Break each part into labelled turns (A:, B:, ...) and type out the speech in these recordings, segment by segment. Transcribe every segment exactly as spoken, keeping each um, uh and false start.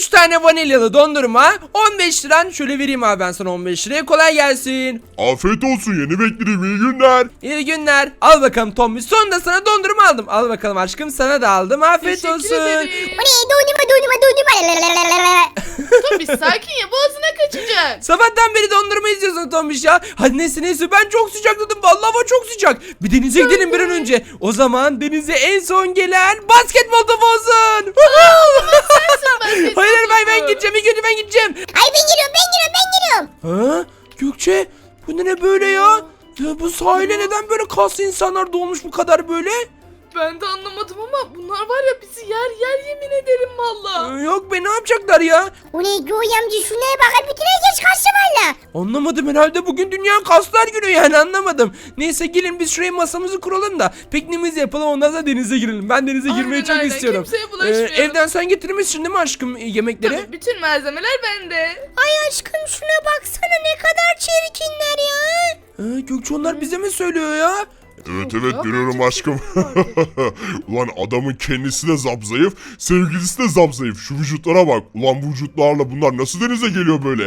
A: üç tane vanilyalı dondurma on beş liran. Şöyle vereyim abi ben sana on beş liraya. Kolay gelsin.
B: Afiyet olsun, yeni beklerim, iyi günler.
A: İyi günler. Al bakalım Tombiş. Sonunda sana dondurma aldım. Al bakalım aşkım, sana da aldım. Afiyet
C: Teşekkür
A: olsun.
C: ederim.
D: O ne? Dondurma dondurma dondurma.
C: Tombiş sakin ya, boğazına kaçacak.
A: Sabahtan beri dondurma izliyorsun Tombiş ya. Hadi neyse neyse, ben çok sıcakladım. Vallahi hava çok sıcak. Bir denize gidelim bir an önce. O zaman denize en son gelen basketbol topu olsun. Hayır hayır, ben, ben gideceğim. İlk önce ben gideceğim.
D: Ay ben giriyorum ben giriyorum ben giriyorum.
A: Ha? Gökçe, bu ne böyle ya? Ya bu sahile neden böyle kaslı insanlar dolmuş bu kadar böyle?
C: Ben de anlamadım ama bunlar var ya, bizi yer yer yemin ederim valla.
A: Ee, yok be, ne yapacaklar ya?
D: O ne? Göğe amca şuna bak. Bütün herkes kaçtı valla.
A: Anlamadım, herhalde bugün Dünya Kaslar Günü, yani anlamadım. Neyse gelin biz şuraya masamızı kuralım da pikniğimizi yapalım, ondan sonra denize girelim. Ben denize
C: Aynen,
A: girmeyi çok
C: aynen.
A: istiyorum.
C: Kimseye bulaşmayalım.
A: evden sen getirmişsin değil mi aşkım e, yemekleri?
C: Tabii bütün malzemeler bende.
D: Ay aşkım şuna baksana, ne kadar çirkinler ya.
A: Ee, Gökçe, onlar bize mi söylüyor ya?
B: Evet evet, görüyorum aşkım. Ulan adamın kendisi de zapzayıf, sevgilisi de zapzayıf. Şu vücutlara bak. Ulan bu vücutlarla bunlar nasıl denize geliyor böyle?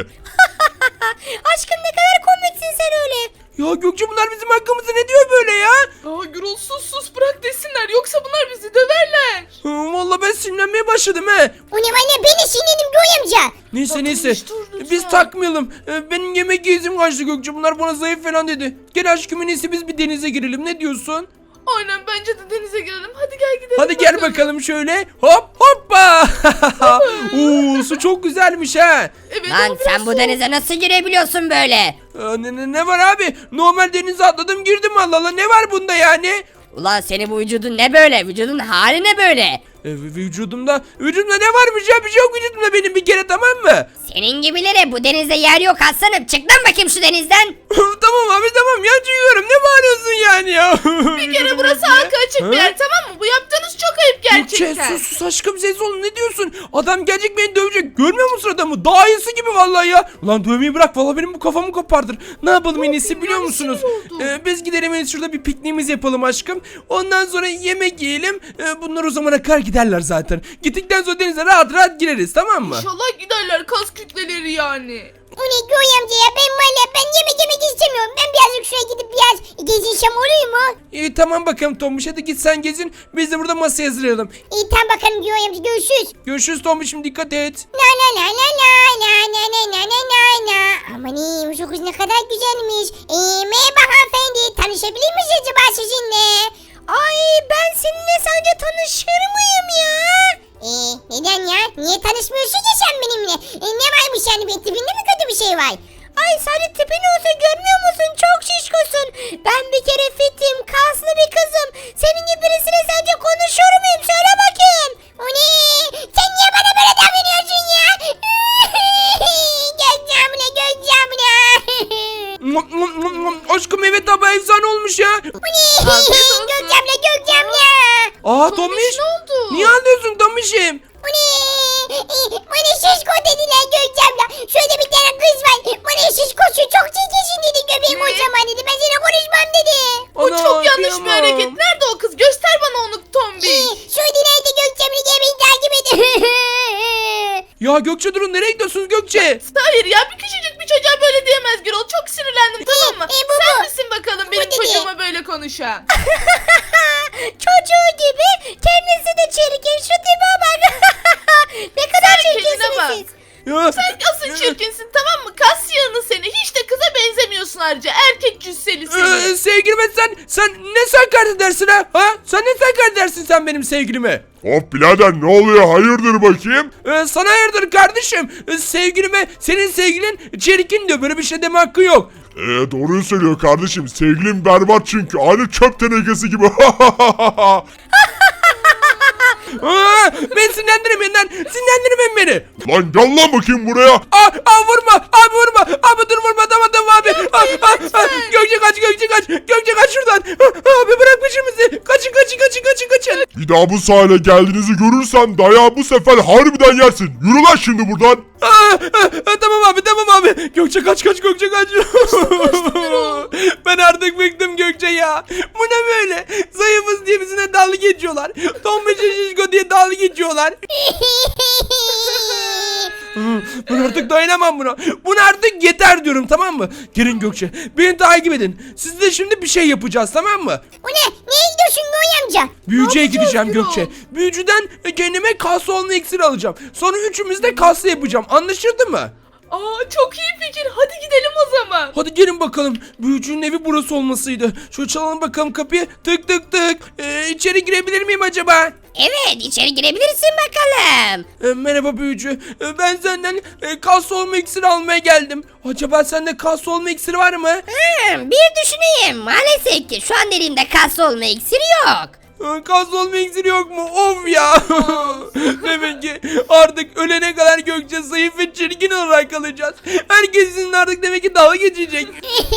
D: Aşkım ne kadar komiksin sen öyle.
A: Ya Gökçe, bunlar bizim hakkımızda ne diyor böyle ya?
C: Aa Gürol, sus sus bırak desinler, yoksa bunlar bizi döverler.
A: Hı, vallahi ben sinirlenmeye başladım he.
D: O ne valla, ben de sinirlendim Göğe amca.
A: Neyse
C: Bakın
A: neyse,
C: işte orada
A: biz
C: sen.
A: takmayalım. Ee, benim yemek yiyizim kaçtı Gökçe, bunlar bana zayıf falan dedi. Gel aşkım, en iyisi biz bir denize girelim, ne diyorsun?
C: Aynen, bence de denize girelim. Hadi gel gidelim.
A: Hadi gel bakalım şöyle, hop hoppa. Oo, su çok güzelmiş ha.
C: Evet,
E: Lan
C: ama biraz
E: sen bu
C: soğuk.
E: denize nasıl girebiliyorsun böyle?
A: Ee, ne, ne, ne var abi, normal denize atladım girdim, Allah Allah, ne var bunda yani?
E: Ulan senin bu vücudun ne böyle? Vücudun hali ne böyle?
A: Ee, vücudumda vücudumda ne varmış ya, bir şey yok vücudumda benim bir kere, tamam mı?
E: Senin gibilere bu denizde yer yok aslanım. Çık lan bakayım şu denizden.
A: Tamam abi tamam ya, çıkıyorum, ne bağırıyorsun yani ya?
C: Bir kere burası halka açık bir yer, tamam mı? Bu yaptığınız çok ayıp gerçekten.
A: Gökçe sus sus aşkım, ses olun, ne diyorsun? Adam gelecek beni dövecek, görmüyor musun adamı? Daha iyisi gibi vallahi ya. Ulan dövmeyi bırak, vallahi benim bu kafamı kopardır. Ne yapalım en iyisi biliyor
C: yani,
A: musunuz?
C: sinir oldum.
A: Ee, biz gidelim en iyisi şurada bir pikniğimizi yapalım aşkım. Ondan sonra yemek yiyelim. Ee, bunlar o zamana kadar giderler zaten. Gittikten sonra denize rahat rahat gireriz, tamam mı?
C: İnşallah giderler, kas kütleleri yani.
D: O ne Göğe amca ya, ben valla ben yemek yemek istemiyorum. Ben birazcık şuraya gidip biraz gezinsem olur mu?
A: İyi tamam bakalım Tombiş, hadi git sen gezin. Biz de burada masaya hazırlayalım.
D: İyi tamam bakalım Göğe amca, görüşürüz.
A: Görüşürüz Tombiş'im, dikkat et.
D: La la la la la la la la la la la la. Aman iyi, bu kız ne kadar güzelmiş. Ee, merhaba hanımefendi, tanışabilir miyiz acaba sizinle? Ay ben seninle sence tanışır mıyım ya? Ee, neden ya? Niye tanışmıyorsun ki sen benimle? Ee, ne varmış yani, bir tipinde mi kötü bir şey var? Ay sadece tipin olsa görmüyor musun? Çok şişkosun. Ben bir kere fitim, kaslı bir kızım. Senin gibi birisiyle sence konuşur muyum? Söyle bakayım. O ne? Sen niye bana böyle davranıyorsun ya? Gökçe abla, Gökçe abla.
A: Aşkım evet abi, efsane olmuş ya.
D: Bu ne?
C: Afiyet olsun.
D: Gökçe abla, Gökçe abla.
A: Aa
C: Tombiş,
A: Tombiş.
C: ne oldu?
A: Niye ağlıyorsun Tombiş'im?
D: Bu ne? Bana şişko dediler Gökçe abla. Şöyle bir tane kız var. Bana şişkosu çok çirkinsin dedi, göbeğim
C: Ne?
D: o zaman dedi. Ben seninle konuşmam dedi.
C: Bu çok yanlış bir hareket. Nerede o kız? Göster bana onu Tombiş.
D: Şöyle nerede Gökçe abla, gel beni takip edin.
A: Ya Gökçe durun, nereye gidiyorsunuz Gökçe?
C: Hayır ya, bir küçücük bir çocuğa böyle diyemez Gürol. Çok sinirlendim, tamam mı?
D: e, bu,
C: Sen
D: bu.
C: misin bakalım benim
D: dedi.
C: çocuğuma böyle konuşan?
D: Çocuğu gibi kendisi de çirkin, şu tipe bak. Ne kadar
C: Sen kendine
D: çirkinsiniz
C: bak.
D: siz.
A: Ya,
C: Sen asıl çirkinsin, tamam mı? Kas yığını seni. Hiç de kıza benzemiyorsun ayrıca. Erkek cüsseli seni.
A: Ee, sevgilime sen sen ne sakar edersin ha? Ha? Sen ne sakar edersin sen benim sevgilime?
B: Hop birader, ne oluyor, hayırdır bakayım?
A: Ee, sana hayırdır kardeşim? Ee, sevgilime senin sevgilin çirkin diyor, böyle bir şey deme hakkı yok.
B: Eee doğruyu söylüyor kardeşim, sevgilim berbat çünkü, aynı çöp tenekesi gibi.
A: Aa, ben sinirlendirmeyin lan, sinirlendirmeyin beni.
B: Lan gel lan bakayım buraya.
A: Aa, aa vurma abi, vurma abi, dur vurma, tamam tamam abi. Aa, aa, aa, Gökçe kaç, Gökçe kaç, Gökçe kaç şuradan. Aa, abi bırak peşimizi, kaçın kaçın kaçın kaçın kaçın.
B: Bir daha bu sahile geldiğinizi görürsem dayağı bu sefer harbiden yersin. Yürü lan şimdi buradan.
A: Aa, aa, aa, tamam abi tamam abi. Gökçe kaç kaç, Gökçe kaç. Ben artık bıktım Gökçe ya. Bu ne böyle? Zayıfız diye bizimle dalga geçiyorlar. Tombiş şişko diye dalga geçiyorlar. Hı, Ben artık dayanamam buna. Buna artık yeter diyorum, tamam mı? Gelin Gökçe, beni takip edin. Siz de şimdi bir şey yapacağız, tamam mı?
D: O ne? Neye gidiyorsun Noy amca?
A: Büyücüye
C: yapacağız
A: gideceğim
C: Gürol?
A: Gökçe. Büyücüden kendime kaslı olma iksiri alacağım. Sonra üçümüz de kaslı yapacağım. Anlaşıldı mı?
C: Aa çok iyi fikir. Hadi gidelim o zaman.
A: Hadi gelin bakalım. Büyücünün evi burası olmasıydı. Şöyle çalalım bakalım kapıyı. Tık tık tık. Ee, içeri girebilir miyim acaba?
E: Evet içeri girebilirsin bakalım.
A: Ee, merhaba büyücü. Ee, ben senden e, kaslı olma iksiri almaya geldim. Acaba sende kaslı olma iksiri var mı?
E: Hmm, bir düşüneyim. Maalesef ki şu an elimde kaslı olma iksiri yok.
A: Ee, Kaslı olma iksiri yok mu? Of ya. Demek ki artık ölene kadar Gökçe zayıf ve çirkin olarak kalacağız. Herkes sizinle artık demek ki dalga geçecek.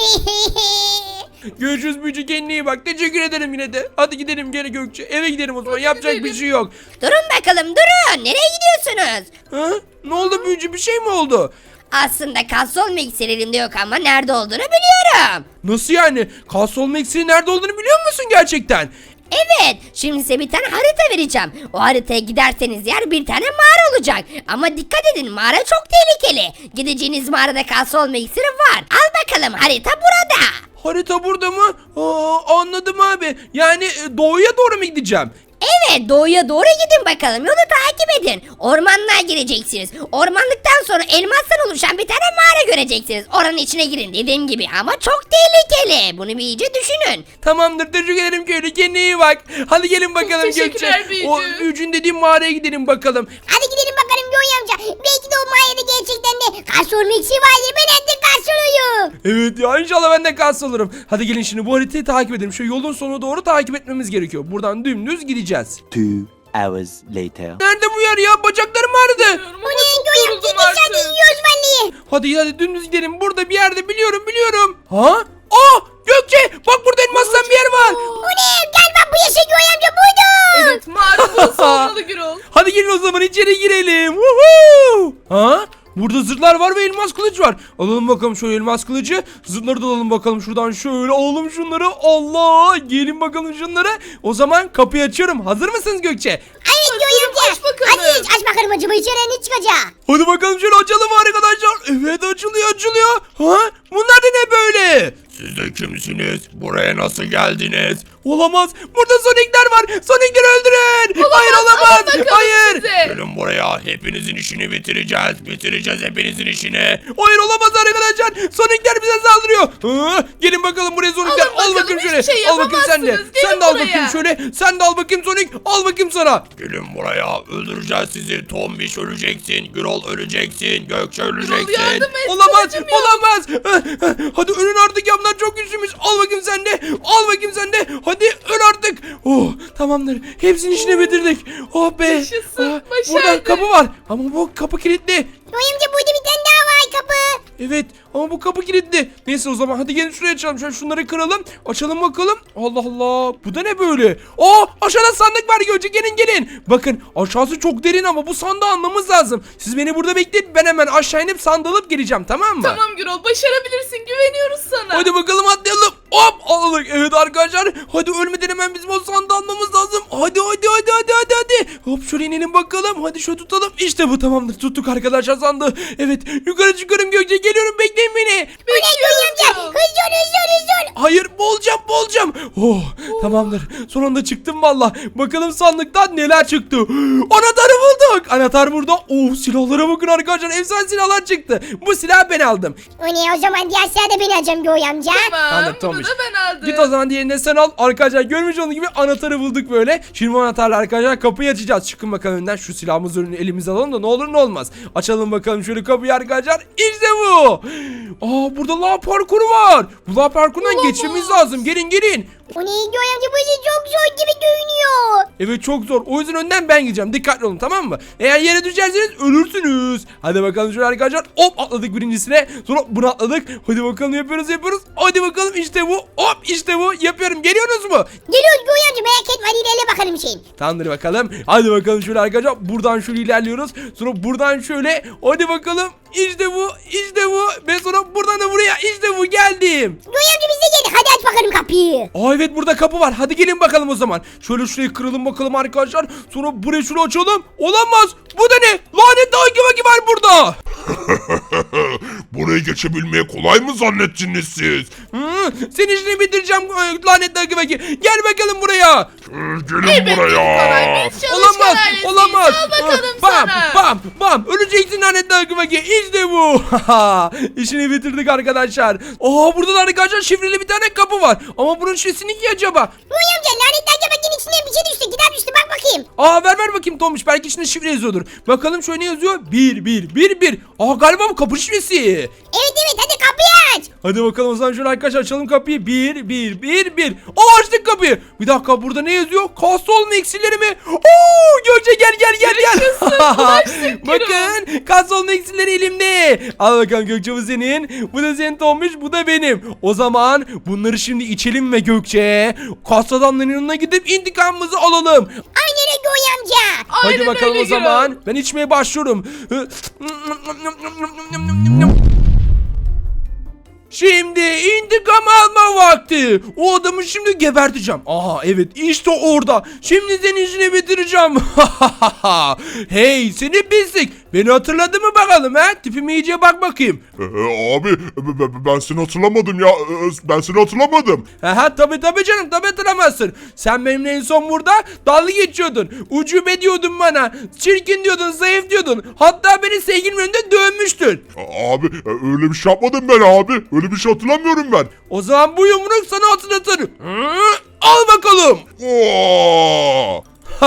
A: Görüşürüz büyücü, kendine iyi bak. Teşekkür ederim yine de. Hadi gidelim geri Gökçe. Eve gidelim o zaman.
C: Hadi
A: Yapacak
C: gidelim.
A: bir şey yok.
E: Durun bakalım durun. Nereye gidiyorsunuz?
A: Ha? Ne oldu büyücü? Bir şey mi oldu?
E: Aslında kaslı olma iksiri elimde yok ama nerede olduğunu biliyorum.
A: Nasıl yani? Kaslı olma iksiri nerede olduğunu biliyor musun gerçekten?
E: Evet, şimdi size bir tane harita vereceğim. O haritaya giderseniz yer bir tane mağara olacak. Ama dikkat edin, mağara çok tehlikeli. Gideceğiniz mağarada kaslı olma iksiri var. Al bakalım, harita burada.
A: Harita burada mı? Aa, anladım abi. Yani e, doğuya doğru mu gideceğim?
E: Evet, doğuya doğru gidin bakalım. Yolu takip edin. Ormanlığa gireceksiniz. Ormanlıktan sonra elmastan oluşan bir tane mağara göreceksiniz. Oranın içine girin dediğim gibi ama çok tehlikeli. Bunu bir iyice düşünün.
A: Tamamdır, teşekkür ederim köylü. Kendine iyi bak. Hadi gelin bakalım Gökçe.
C: teşekkürler büyücü.
A: O büyücünün dediğim mağaraya gidelim bakalım.
D: Hadi gidelim bakalım Noy amca. Belki de o mağarada gerçekten de karşı olma iksiri vardır. Ben artık karşı oluyorum.
A: Evet ya, inşallah ben de kaslı olurum. Hadi gelin şimdi bu haritayı takip edelim. Şu yolun sonuna doğru takip etmemiz gerekiyor. Buradan dümdüz gideceğiz.
F: Two hours later.
A: Nerede bu yer ya? Bacaklarım ağrıdı.
C: Bilmiyorum
D: O
C: ama
D: ne
C: çok
D: Noy amca?
C: yoruldum
D: Dışarıda
C: artık.
D: yiyoruz vallahi.
A: Hadi hadi dümdüz gidelim. Burada bir yerde biliyorum biliyorum. Ha? Aa Gökçe, bak burada elmastan bir yer var.
D: O ne? Gel bak bu yaşa Noy amca buydu.
C: Evet mağara burası olmalı Gürol.
A: Hadi gelin o zaman içeri girelim. Woohoo! Ha? Burada zırhlar var ve elmas kılıç var. Alalım bakalım şöyle elmas kılıcı. Zırhları da alalım bakalım şuradan, şöyle alalım şunları. Allah! Gelin bakalım şunları. O zaman kapıyı açıyorum. Hazır mısınız Gökçe?
D: Evet Noy amca.
C: aç bakalım.
D: Hadi aç bakalım acaba içeri ne çıkacak?
A: Hadi bakalım şöyle açalım arkadaşlar. Evet, açılıyor açılıyor. Ha? Bunlar da ne böyle?
B: Siz de kimsiniz? Buraya nasıl geldiniz?
A: Olamaz. Burada Sonic'ler var. Sonic'leri öldürün. Hayır
C: alın
A: olamaz.
C: bakalım
A: Hayır.
C: size.
B: Gelin buraya. Hepinizin işini bitireceğiz. Bitireceğiz hepinizin işini.
A: Hayır olamaz arkadaşlar. Sonic'ler bize saldırıyor. Ha? Gelin bakalım buraya Sonic'ler.
C: Alın
A: Al
C: bakalım,
A: bakayım şöyle.
C: hiçbir şey
A: al bakayım sen de.
C: yapamazsınız. Gelin
A: Sen de al
C: buraya.
A: bakayım şöyle. Sen de al bakayım Sonic. Al bakayım sana.
B: Gelin buraya. Öldüreceğiz sizi. Tombiş öleceksin. Gürol öleceksin. Gökçe
C: Gürol
B: öleceksin.
C: yardım et.
A: Olamaz.
C: kılıcım yok.
A: Olamaz. Hadi ölün artık ya. Bunlar çok güçlüymüş. Al bakayım sen de. Al bakayım sen de. Hadi öl artık. Oh, tamamdır. Hepsinin işini bitirdik. Oh be.
C: Yaşasın,
A: Burada
C: başardık.
A: kapı var. Ama bu kapı kilitli.
D: Noy amca burada bir tane daha var kapı.
A: Evet ama bu kapı kilitli. Neyse o zaman hadi gelin şuraya açalım. Şöyle şunları kıralım. Açalım bakalım. Allah Allah. Bu da ne böyle? Aa, aşağıda sandık var Gökçe. Gelin gelin. Bakın aşağısı çok derin ama bu sandığı almamız lazım. Siz beni burada bekleyin. Ben hemen aşağı inip sandığı alıp geleceğim, tamam mı?
C: Tamam Gürol başarabilirsin, güveniyoruz sana.
A: Hadi bakalım atlayalım. Hop aldık. Evet arkadaşlar. Hadi ölmeden hemen bizim o sandığı almamız lazım. Hadi hadi hadi hadi hadi hadi. Hop şöyle inelim bakalım. Hadi şöyle tutalım. İşte bu, tamamdır. Tuttuk arkadaşlar sandığı. Evet yukarı çıkıyorum Gökçe. Geliyorum, bekleyin beni.
D: O ne Noy amca? Hızlı ol hızlı ol hızlı ol.
A: Hayır, boğulacağım boğulacağım. Oh, tamamdır. Son anda çıktım valla. Bakalım sandıktan neler çıktı. Anahtarı bulduk. Anahtar burada. Oh, silahlara bakın arkadaşlar. Efsane silahlar çıktı. Bu silahı ben aldım.
D: O ne o zaman diğer sırada beni alacağım Noy amca.
C: Tamam,
A: Anladım,
C: bunu
A: Tomiş.
C: da ben aldım.
A: Git o zaman diğerini de sen al. Arkadaşlar görmüş olduğunuz gibi anahtarı bulduk böyle. Şimdi bu anahtarla arkadaşlar kapıyı açacağız. Çıkın bakalım önden, şu silahımızı önüne elimize alalım da ne olur ne olmaz. Açalım bakalım şöyle kapıyı arkadaşlar. İşte bu. Aa, burada lav parkuru var. Bu lav parkurundan
C: Olamaz.
A: geçmemiz lazım. Gelin gelin.
D: O ne Noy amca bu işi çok zor gibi görünüyor.
A: Evet çok zor. O yüzden önden ben gideceğim. Dikkatli olun, tamam mı? Eğer yere düşerseniz ölürsünüz. Hadi bakalım şöyle arkadaşlar. Hop atladık birincisine. Sonra bunu atladık. Hadi bakalım yapıyoruz yapıyoruz. Hadi bakalım işte bu. Hop işte bu. Yapıyorum. Geliyorsunuz mu?
D: Geliyoruz Noy amca merak etme hadi ilerle bakalım şeyin.
A: Tamamdır bakalım. Hadi bakalım şöyle arkadaşlar. Buradan şöyle ilerliyoruz. Sonra buradan şöyle. Hadi bakalım. İşte bu. İşte bu. Ve sonra buradan da buraya. İşte bu. Geldim.
D: Noy amca biz de geldik hadi aç bakalım kapıyı.
A: Aa evet, burada kapı var. Hadi gelin bakalım o zaman. Şöyle şurayı kıralım bakalım arkadaşlar. Sonra burayı şöyle açalım. Olamaz. Bu da ne? Lanet dağ gibi var burada.
B: burayı geçebilmeyi kolay mı zannettiniz siz?
A: Hı, senin işini bitireceğim e, lanetli Huggy Wuggy. Gel bakalım buraya.
B: Ee, Gelin
C: Elbette ki
B: buraya.
C: kolay. Biz çalışkan
A: Olamaz,
C: ailesiyiz.
A: olamaz.
C: Al bakalım
A: bam,
C: sana.
A: bam, bam. Öleceksin lanetli Huggy Wuggy. İşte bu. İşini bitirdik arkadaşlar. Aa, burada da arkadaşlar şifreli bir tane kapı var. Ama bunun şifresi ne ki acaba?
D: Noy amca lanetli Huggy içine bir şey düştü. Kitap düştü bak bakayım.
A: Aa, ver ver bakayım Tomuş. Belki içinde şifre yazıyordur. Bakalım şöyle ne yazıyor? Bir, bir, bir, bir. Aa, galiba bu kapı şifresi.
D: Evet evet hadi kapıyı aç.
A: Hadi bakalım o zaman şöyle arkadaşlar açalım kapıyı. Bir, bir, bir, bir. Aa, açtık kapıyı. Bir dakika, burada ne yazıyor? Kasol eksileri mi? Oo, Gökçe gel gel gel gel. Bakın, kasol eksileri elimde. Al bakalım Gökçe, bu senin. Bu da senin Tomuş, bu da benim. O zaman bunları şimdi içelim ve Gökçe kas adamların yanına gidip intikamımızı alalım.
D: Aynen öyle Noy amca.
A: Hadi
C: Aynen
A: bakalım
C: öyle
A: o zaman. Ben içmeye başlıyorum. Şimdi intikam alma vakti. O adamı şimdi geberteceğim. Aha, evet, işte orada. Şimdi senin işini bitireceğim. Hey seni pislik. Beni hatırladın mı bakalım ha? Tipime iyice bak bakayım.
B: Ee, abi b- b- ben seni hatırlamadım ya. Ee, Ben seni hatırlamadım.
A: Aha, tabi tabi canım, tabi hatırlamazsın. Sen benimle en son burada dalga geçiyordun. Ucube diyordun bana. Çirkin diyordun, zayıf diyordun. Hatta beni sevgilimin önünde dövmüştün.
B: Aa, Abi e, öyle bir şey yapmadım ben abi. Öyle bir şey hatırlamıyorum ben.
A: O zaman bu yumruk sana hatırlatır. Hı? Al bakalım.
B: Oo!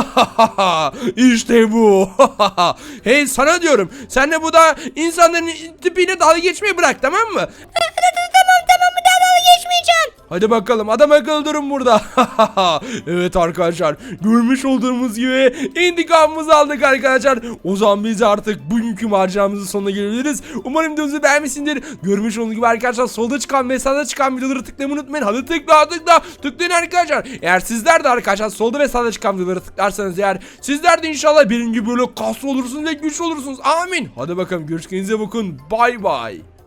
A: İşte bu. Hey, sana diyorum. Sen de bu da insanların tipiyle dalga geçmeyi bırak, tamam mı?
D: Tamam tamam bir daha dalga geçmeyeceğim.
A: Hadi bakalım, adam akıllı durun burada. Evet arkadaşlar, görmüş olduğumuz gibi intikamımızı aldık arkadaşlar. O zaman biz artık bugünkü maceramızın sonuna gelebiliriz. Umarım videomuzu beğenmişsindir. Görmüş olduğunuz gibi arkadaşlar, solda çıkan ve sağda çıkan videoları tıklamayı unutmayın. Hadi tıkla tıkla tıklayın arkadaşlar. Eğer sizler de arkadaşlar solda ve sağda çıkan videoları tıklarsanız eğer, sizler de inşallah benim gibi böyle kaslı olursunuz ve güçlü olursunuz. Amin. Hadi bakalım, görüşürüz, bakın. Bay bay.